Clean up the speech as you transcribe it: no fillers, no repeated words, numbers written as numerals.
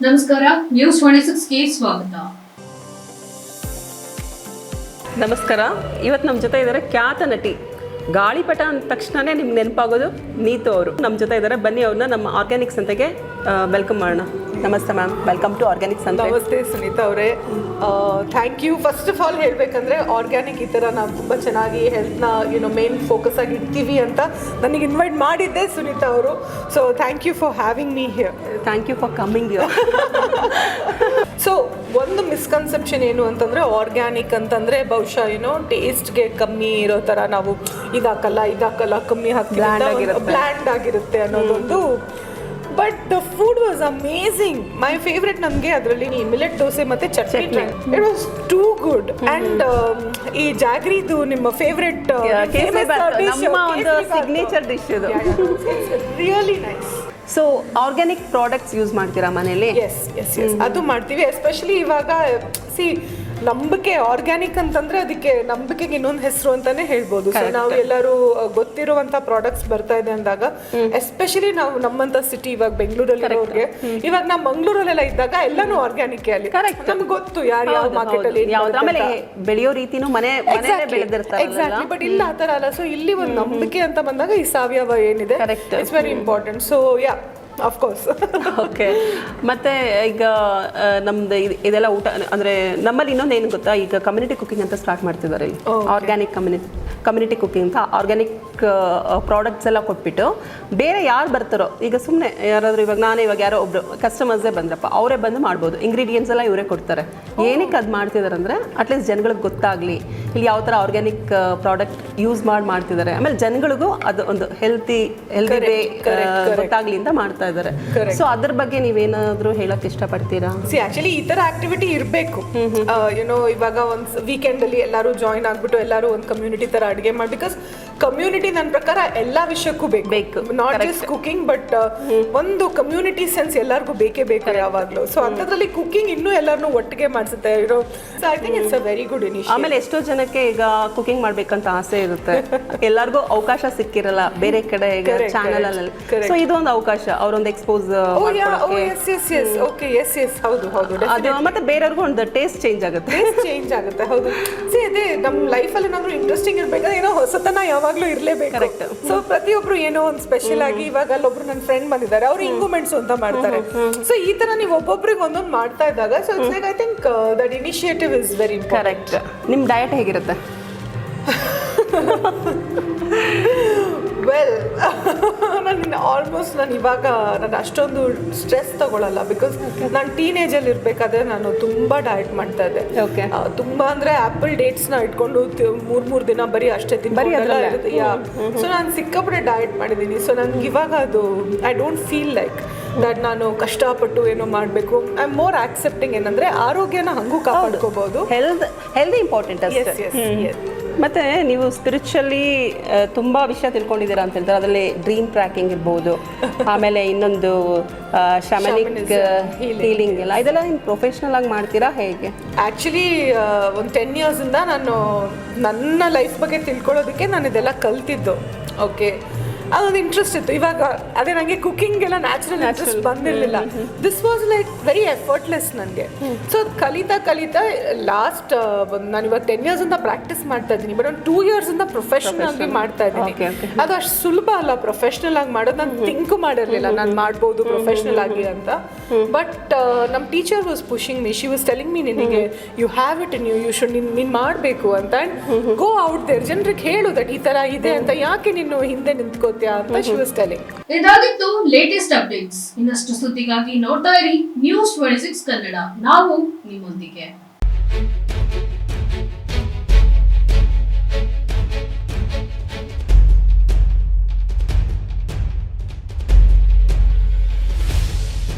ನಮಸ್ಕಾರ, ನ್ಯೂಸ್ 26ಗೆ ಸ್ವಾಗತ. ನಮಸ್ಕಾರ. ಇವತ್ತು ನಮ್ಮ ಜೊತೆ ಇದ್ದಾರೆ ಖ್ಯಾತ ನಟಿ. ಗಾಳಿಪಟ ಅಂದ ತಕ್ಷಣನೇ ನಿಮ್ಗೆ ನೆನಪಾಗೋದು ನೀತು ಅವರು ನಮ್ಮ ಜೊತೆ ಇದ್ದಾರೆ. ಬನ್ನಿ ಅವ್ರನ್ನ ನಮ್ಮ ಆರ್ಗ್ಯಾನಿಕ್ ಸಂತೆಗೆ ವೆಲ್ಕಮ್ ಮಾಡೋಣ. ನಮಸ್ತೆ ಮ್ಯಾಮ್, ವೆಲ್ಕಮ್ ಟು ಆರ್ಗ್ಯಾನಿಕ್ ಸಂತೆ. ನಮಸ್ತೆ ಸುನೀತಾ ಅವರೇ, thank you. First of all ಹೇಳಬೇಕಂದ್ರೆ ಆರ್ಗ್ಯಾನಿಕ್ ಈ ಥರ ನಾವು ತುಂಬ ಚೆನ್ನಾಗಿ ಹೆಲ್ತ್ನ ಮೇನ್ ಫೋಕಸ್ ಆಗಿ ಇಡ್ತೀವಿ ಅಂತ ನನಗೆ ಇನ್ವೈಟ್ ಮಾಡಿದ್ದೆ ಸುನೀತಾ ಅವರು. So thank you for having me here. Thank you for coming you. So ಒಂದು ಮಿಸ್ಕನ್ಸೆಪ್ಷನ್ ಏನು ಅಂತಂದರೆ ಆರ್ಗ್ಯಾನಿಕ್ ಅಂತಂದರೆ ಬಹುಶಃ ಟೇಸ್ಟ್ಗೆ ಕಮ್ಮಿ ಇರೋ ಥರ ನಾವು ಇದಾಕಲ್ಲ ಕಮ್ಮಿ ಹಾಕಿ ಬ್ಲ್ಯಾಂಡ್ ಆಗಿರುತ್ತೆ ಅನ್ನೋದೊಂದು. But the food was amazing. My favourite ನನಗೆ ಅದರಲ್ಲಿ ಮಿಲೆಟ್ ದೋಸೆ ಮತ್ತು chutney. It was too good. And ಈ ಜಾಗ್ರಿದು ನಿಮ್ಮ ಫೇವ್ರೆಟ್ ಸಿಗ್ನೇಚರ್ ಡಿಶ್ ಇದು. Really nice. So organic products use ಮಾಡ್ತೀರಾ ಮನೇಲಿ? ಎಸ್ ಎಸ್ ಎಸ್, ಅದು ಮಾಡ್ತೀವಿ. ಎಸ್ಪೆಷಲಿ ಇವಾಗ ನಂಬಿಕೆ ಆರ್ಗ್ಯಾನಿಕ್ ಅಂತಂದ್ರೆ ಅದಕ್ಕೆ ನಂಬಿಕೆಗೆ ಇನ್ನೊಂದು ಹೆಸರು ಅಂತಾನೆ ಹೇಳ್ಬೋದು. ಸೊ ನಾವು ಎಲ್ಲರೂ ಗೊತ್ತಿರುವಂತ ಪ್ರಾಡಕ್ಟ್ಸ್ ಬರ್ತಾ ಇದೆ ಅಂದಾಗ, ಎಸ್ಪೆಷಲಿ ನಾವು ನಮ್ಮಂತ ಸಿಟಿ ಇವಾಗ ಬೆಂಗಳೂರಲ್ಲಿ ಇರೋರಿಗೆ, ಇವಾಗ ನಾವು ಮಂಗಳೂರಲ್ಲೆಲ್ಲ ಇದ್ದಾಗ ಎಲ್ಲಾನು ಆರ್ಗ್ಯಾನಿಕ್ ಅಲ್ಲಿ ನಮ್ಗೆ ಗೊತ್ತು ಯಾರು ಯಾವ ಮಾರ್ಕೆಟ್ ಅಲ್ಲಿ ಆಮೇಲೆ ಬೆಳೆಯೋ ರೀತಿನೂ ಬೆಳೆದಿರ್ತಾರೆ. ಎಕ್ಸಾಕ್ಟ್ಲಿ. ಬಟ್ ಇಲ್ಲ ಆ ತರ ಅಲ್ಲ. ಸೊ ಇಲ್ಲಿ ಒಂದು ನಂಬಿಕೆ ಅಂತ ಬಂದಾಗ ಈ ಸಾವಯವ ಏನಿದೆ it's very important. So yeah, of course. Okay. ಮತ್ತೆ ಈಗ ನಮ್ದು ಇದೆಲ್ಲ ಊಟ ಅಂದರೆ ನಮ್ಮಲ್ಲಿ ಇನ್ನೊಂದು ಏನು ಗೊತ್ತಾ, ಈಗ ಕಮ್ಯುನಿಟಿ ಕುಕಿಂಗ್ ಅಂತ ಸ್ಟಾರ್ಟ್ ಮಾಡ್ತಿದ್ದಾರೆ. ಆರ್ಗ್ಯಾನಿಕ್ ಕಮ್ಯುನಿಟಿ ಕುಕಿಂಗ್ ಅಂತ ಆರ್ಗ್ಯಾನಿಕ್ ಪ್ರಾಡಕ್ಟ್ಸ್ ಎಲ್ಲ ಕೊಟ್ಬಿಟ್ಟು ಬೇರೆ ಯಾರು ಬರ್ತಾರೋ, ಈಗ ಸುಮ್ಮನೆ ಯಾರಾದರೂ ಇವಾಗ ಯಾರೋ ಒಬ್ರು ಕಸ್ಟಮರ್ಸೇ ಬಂದ್ರಪ್ಪ, ಅವರೇ ಬಂದು ಮಾಡ್ಬೋದು. ಇಂಗ್ರೀಡಿಯೆಂಟ್ಸ್ ಎಲ್ಲ ಇವರೇ ಕೊಡ್ತಾರೆ. ಏನಕ್ಕೆ ಅದು ಮಾಡ್ತಿದ್ದಾರೆ ಅಂದರೆ ಅಟ್ಲೀಸ್ಟ್ ಜನಗಳಿಗೆ ಗೊತ್ತಾಗಲಿ ಇಲ್ಲಿ ಯಾವ ಥರ ಆರ್ಗ್ಯಾನಿಕ್ ಪ್ರಾಡಕ್ಟ್ ಯೂಸ್ ಮಾಡ್ತಿದ್ದಾರೆ. ಆಮೇಲೆ ಜನಗಳಿಗೂ ಅದು ಒಂದು ಹೆಲ್ದಿ ವೇ ಗೊತ್ತಾಗ್ಲಿ ಅಂತ ಮಾಡ್ತಾ ಇದ್ದಾರೆ. ಸೊ ಅದ್ರ ಬಗ್ಗೆ ನೀವೇನಾದ್ರೂ ಹೇಳಕ್ ಇಷ್ಟಪಡ್ತೀರಾ? ಆಕ್ಚುಲಿ ಈ ತರ ಆಕ್ಟಿವಿಟಿ ಇರಬೇಕು. ಇವಾಗ ಒಂದು ವೀಕೆಂಡ್ ಅಲ್ಲಿ ಎಲ್ಲರೂ ಜಾಯಿನ್ ಆಗ್ಬಿಟ್ಟು ಎಲ್ಲರೂ ಒಂದು ಕಮ್ಯುನಿಟಿ ತರ ಅಡುಗೆ ಮಾಡಿ. ಬಿಕಾಸ್ ಕಮ್ಯುನಿಟಿ ನನ್ನ ಪ್ರಕಾರ ಎಲ್ಲಾ ವಿಷಯಕ್ಕೂ ಬೇಕು. ನಾಟ್ ಜಸ್ಟ್ ಕುಕಿಂಗ್, ಬಟ್ ಒಂದು ಕಮ್ಯುನಿಟಿ ಸೆನ್ಸ್ ಎಲ್ಲರಿಗೂ ಬೇಕೇ ಬೇಕು ಯಾವಾಗ್ಲೂ. ಸೊ ಅಂತದ್ರಲ್ಲಿ ಕುಕಿಂಗ್ ಇನ್ನೂ ಎಲ್ಲರನ್ನೂ ಒಟ್ಟಿಗೆ ಮಾಡಿಸುತ್ತೆ. I think it's a very good initiative. ಆಮೇಲೆ ಎಷ್ಟೋ ಜನಕ್ಕೆ ಈಗ ಕುಕಿಂಗ್ ಮಾಡ್ಬೇಕಂತ ಆಸೆ ಇರುತ್ತೆ, ಎಲ್ಲರಿಗೂ ಅವಕಾಶ ಸಿಕ್ಕಿರಲ್ಲ ಬೇರೆ ಕಡೆ ಈಗ ಚಾನಲ್ ಅಲ್ಲಿ. ಸೊ ಇದೊಂದು ಅವಕಾಶ, ಅವರೊಂದು ಎಕ್ಸ್ಪೋಸ್ ಮತ್ತೆ ಬೇರೆಯವ್ರಿಗೂ ಒಂದು ಟೇಸ್ಟ್ ಚೇಂಜ್ ಆಗುತ್ತೆ. ಹೌದು. ಅದೇ ನಮ್ಮ ಲೈಫಲ್ಲಿ ಏನಾದ್ರು ಇಂಟ್ರೆಸ್ಟಿಂಗ್ ಇರ್ಬೇಕಾದ್ರೆ ಏನೋ ಹೊಸತನ ಯಾವಾಗ್ಲೂ ಇರ್ಲೇಬೇಕು. ಸೊ ಪ್ರತಿಯೊಬ್ರು ಏನೋ ಒಂದು ಸ್ಪೆಷಲ್ ಆಗಿ, ಇವಾಗ ಅಲ್ಲೊಬ್ರು ನನ್ನ ಫ್ರೆಂಡ್ ಬಂದಿದ್ದಾರೆ, ಅವ್ರು ಇಂಗು ಮೆಣಸು ಅಂತ ಮಾಡ್ತಾರೆ. ಸೊ ಈ ತರ ನೀವು ಒಬ್ಬೊಬ್ರಿಗೆ ಒಂದೊಂದು ಮಾಡ್ತಾ ಇದ್ದಾಗ, so it's like I think that initiative is very important. Correct. ನಿಮ್ಮ ಡಯಟ್ ಹೇಗಿರುತ್ತೆ? ವೆಲ್, ನಾನು ಇವಾಗ ಅಷ್ಟೊಂದು ಸ್ಟ್ರೆಸ್ ತಗೊಳ್ಳಲ್ಲ. ಬಿಕಾಸ್ ನಾನು ಟೀನೇಜಲ್ಲಿ ಇರಬೇಕಾದ್ರೆ ನಾನು ತುಂಬ ಡಯಟ್ ಮಾಡ್ತಾ ಇದ್ದೆ. ತುಂಬ ಅಂದರೆ ಆ್ಯಪಲ್ ಡೇಟ್ಸ್ನ ಇಟ್ಕೊಂಡು ಮೂರು ದಿನ ಬರೀ ಅಷ್ಟೇ ತಿನ್ನೋದು. ಸೊ ನಾನು ಸಿಕ್ಕಾಪಟ್ಟೆ ಡಯಟ್ ಮಾಡಿದ್ದೀನಿ. ಸೊ ನನಗೆ ಇವಾಗ ಅದು I don't feel like that ನಾನು ಕಷ್ಟಪಟ್ಟು ಏನೋ ಮಾಡಬೇಕು. I am more accepting. ಏನಂದರೆ ಆರೋಗ್ಯನ ಹಂಗೂ ಕಾಪಾಡ್ಕೋಬಹುದು. ಹೆಲ್ದಿ ಇಂಪಾರ್ಟೆಂಟ್ ಅಷ್ಟೇ. ಮತ್ತು ನೀವು ಸ್ಪಿರಿಚುವಲಿ ತುಂಬ ವಿಷಯ ತಿಳ್ಕೊಂಡಿದ್ದೀರಾ ಅಂತ ಹೇಳ್ತಾರೆ. ಅದರಲ್ಲಿ ಡ್ರೀಮ್ ಟ್ರ್ಯಾಕಿಂಗ್ ಇರ್ಬೋದು, ಆಮೇಲೆ ಇನ್ನೊಂದು ಶಮನಿಕ್ ಹೀಲಿಂಗ್ ಎಲ್ಲ, ಇದೆಲ್ಲ ನೀವು ಪ್ರೊಫೆಷ್ನಲ್ ಆಗಿ ಮಾಡ್ತೀರಾ ಹೇಗೆ? ಆ್ಯಕ್ಚುಲಿ ಒಂದು 10 ಇಯರ್ಸಿಂದ ನಾನು ನನ್ನ ಲೈಫ್ ಬಗ್ಗೆ ತಿಳ್ಕೊಳ್ಳೋದಕ್ಕೆ ನಾನು ಇದೆಲ್ಲ ಕಲ್ತಿದ್ದು. ಓಕೆ, ಅದೊಂದು ಇಂಟ್ರೆಸ್ಟ್ ಇತ್ತು. ಇವಾಗ ಅದೇ ನನಗೆ ಕುಕಿಂಗ್ ಎಲ್ಲ ನ್ಯಾಚುರಲ್ ಇಂಟ್ರೆಸ್ಟ್ ಬಂದಿರಲಿಲ್ಲ. This was like very effortless ನನಗೆ. ಸೊ ಕಲಿತಾ ಲಾಸ್ಟ್ ನಾನು ಇವಾಗ 10 ಇಯರ್ಸಿಂದ ಪ್ರಾಕ್ಟೀಸ್ ಮಾಡ್ತಾ ಇದ್ದೀನಿ. ಬಟ್ ಒಂದು 2 ಇಯರ್ಸಿಂದ ಪ್ರೊಫೆಷನಲ್ ಆಗಿ ಮಾಡ್ತಾ ಇದ್ದೀನಿ. ಅದು ಅಷ್ಟು ಸುಲಭ ಅಲ್ಲ ಪ್ರೊಫೆಷ್ನಲ್ ಆಗಿ ಮಾಡೋದು. ನಾನು ಥಿಂಕ್ ಮಾಡಿರಲಿಲ್ಲ ನಾನು ಮಾಡ್ಬೋದು ಪ್ರೊಫೆಷ್ನಲ್ ಆಗಿ ಅಂತ. ಬಟ್ ನಮ್ಮ teacher was pushing me. She was telling me, ನಿನಗೆ you have it in you should ನೀನು ಮಾಡಬೇಕು ಅಂತ. ಆ್ಯಂಡ್ ಗೋ ಔಟ್ ದೇರ್, ಜನರಿಗೆ ಹೇಳು ದಟ್ ಈ ಥರ ಇದೆ ಅಂತ, ಯಾಕೆ ನೀನು ಹಿಂದೆ ನಿಂತ್ಕೋತೀಯ ಅಂತ ಶಿ ವಾಸ್ ಟೆಲಿಂಗ್. ಇದಾಗಿತ್ತು ಲೇಟೆಸ್ಟ್ ಅಪ್ಡೇಟ್ಸ್. ಇನ್ನಷ್ಟು ಸುದ್ದಿಗಾಗಿ ನೋಡ್ತಾ ಇರಿ ನ್ಯೂಸ್ 26 ಕನ್ನಡ. ನಾವು ನಿಮ್ಮೊಂದಿಗೆ.